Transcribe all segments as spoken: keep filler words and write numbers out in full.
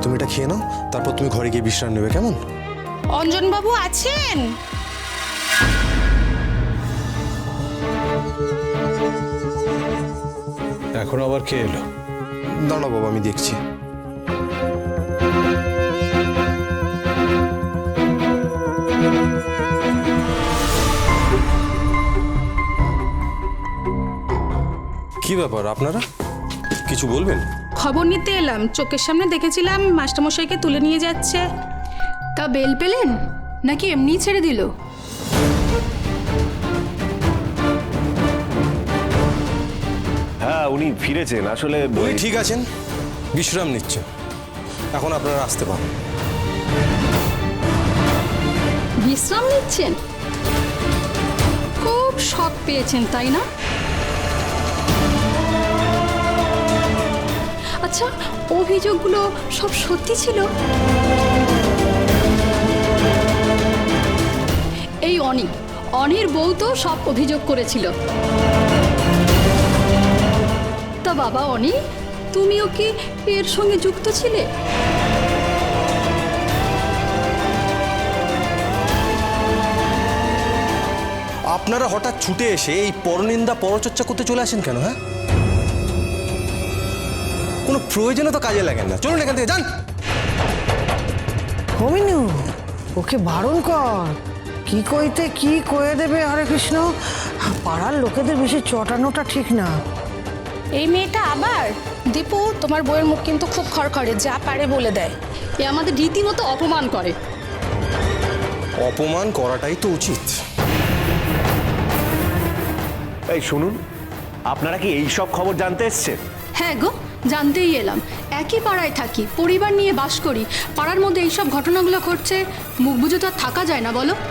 তুমি এটা খেয়ে নাও, তারপর তুমি ঘরে গিয়ে বিশ্রাম নেবে, কেমন? অঞ্জনবাবু আছেন? এখন আবার কে এলো? দাঁড়াও বাবা, আমি দেখছি। কি ব্যাপার, আপনারা কিছু বলবেন? খবর নিতে এলাম, চোখের সামনে দেখেছিলাম মাস্টারমশাইকে তুলে নিয়ে যাচ্ছে। তা বেল পেলেন নাকি এমনি ছেড়ে দিল? হ্যাঁ, উনি ফিরেছেন। আসলে উনি ঠিক আছেন, বিশ্রাম নিচ্ছেন। এখন আপনারা আসতে পারেন। বিশ্রাম নিচ্ছেন? খুব শখ পেয়েছেন তাই না? আচ্ছা, অভিযোগগুলো সব সত্যি ছিল? এই অনি অনির বউ তো সব অভিযোগ করেছিল। তা বাবা অনি, তুমিও কি এর সঙ্গে যুক্ত ছিলে? আপনারা হঠাৎ ছুটে এসে এই পরনিন্দা পরচর্চা করতে চলে আসেন কেন? হ্যাঁ, কোনো প্রয়োজনে তো কাজে লাগেন না। চলুন এখান থেকে যান। হমিনু, ওকে বারণ কর। কি কইতে কি কয়ে দেবে হরে কৃষ্ণ। পাড়ার লোকেদের বেশি চটানোটা ঠিক না। এই মেয়েটা আবার। দীপু, তোমার বউয়ের মুখ কিন্তু খুব খড়খড়ে, যা পারে বলে দেয়। এ আমাদের রীতিমতো অপমান করে। অপমান করাটাই তো উচিত। এই শুনুন, আপনারা কি এই সব খবর জানতে এসছেন? হ্যাঁ গো, জানতেই এলাম। একই পাড়ায় থাকি, পরিবার নিয়ে বাস করি, পাড়ার মধ্যে এইসব ঘটনাগুলো ঘটছে, মুখ বুঝে তো আর থাকা যায় না বলো।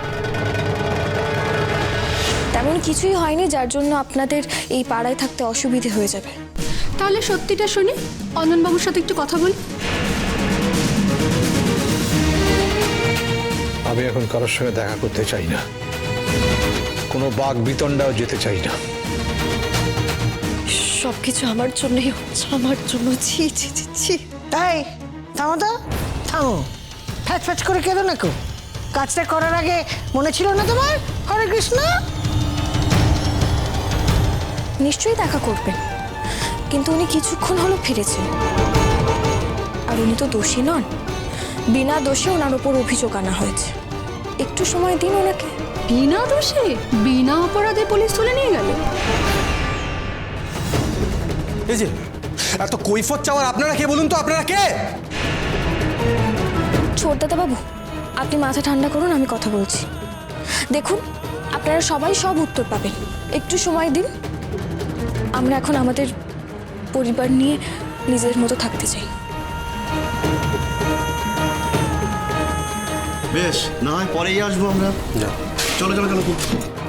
তেমন কিছুই হয়নি যার জন্য আপনাদের এই পাড়ায় থাকতে অসুবিধে হয়ে যাবে। তাহলে সত্যিটা শুনি, অঞ্জনবাবুর সাথে একটু কথা বলি। আমি এখন কারোর সঙ্গে দেখা করতে চাই না, কোনো বাঘ বিতণ্ডাও যেতে চাই না। সব কিছু আমার জন্যই হচ্ছে, আমার জন্য। ছি ছি ছি ছি। তাই থামো তো, থামো। ফ্যাচ ফ্যাচ করে কেঁদো না কেউ। কাজটা করার আগে মনে ছিল না তোমার হরে কৃষ্ণ? নিশ্চয়ই দেখা করবেন, কিন্তু উনি কিছুক্ষণ হলো ফিরেছেন। আর উনি তো দোষী নন, বিনা দোষে ওনার উপর অভিযোগ আনা হয়েছে। একটু সময় দিন ওনাকে। বিনা দোষে বিনা অপরাধে পুলিশ তুলে নিয়ে গেল? এই যে এত কৈফত চাওয়ার আপনারা কে বলুন তো? আপনারা কে? ছোটদাদা বাবু, আপনি মাথা ঠান্ডা করুন, আমি কথা বলছি। দেখুন, আপনারা সবাই সব উত্তর পাবেন, একটু সময় দিন। আমরা এখন আমাদের পরিবার নিয়ে নিজের মতো থাকতে চাই। বেশ, না হয় পরেই আসবো আমরা। না, চলো চলো চলো।